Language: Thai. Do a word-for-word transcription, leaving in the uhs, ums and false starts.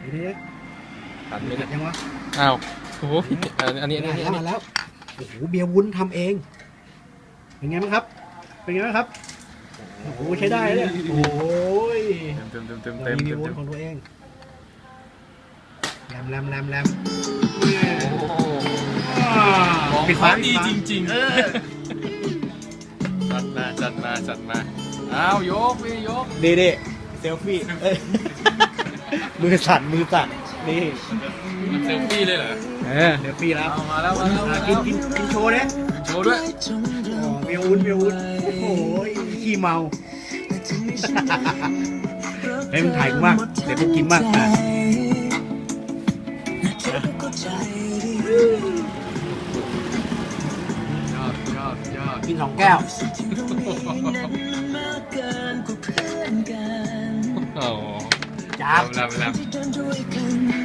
เดี๋ยวตัดไม่ได้ยังวะอ้าวโอ้โหอันนี้อันนี้อันนี้มาแล้วโอ้โหเบียร์วุ้นทำเองเป็นไงบ้างครับเป็นไงบ้างครับโอ้โหใช้ได้เลยโอ้ยเต็มเต็มเต็มเราเต็มมีเต็เบียมร์วุ้เต็นมของตัวเองแรมแรมแรมแรมปิดฟ้าดีจริงเออๆจัดมาจัดมาจัดมาอ้าวยกพี่ยกดีดีเซลฟี่เอ้ยมือสั่นมือสั่นนี่มันเซลฟี่เลยเหรอเออเซลฟี่แล้วเอามาแล้วมาแล้วมากิแล้นวกินกินโชว์เนี่ยโชว์ด้วยเบียร์วุ้นเบียร์วุ้นโอ้โหขี้เมาเฮ้ยมึงถ่ายกูมากเดี๋ยวกูกินมากอ่ะยอดยอดยอดกินสองแก้วโอ้จ้าบลำลำ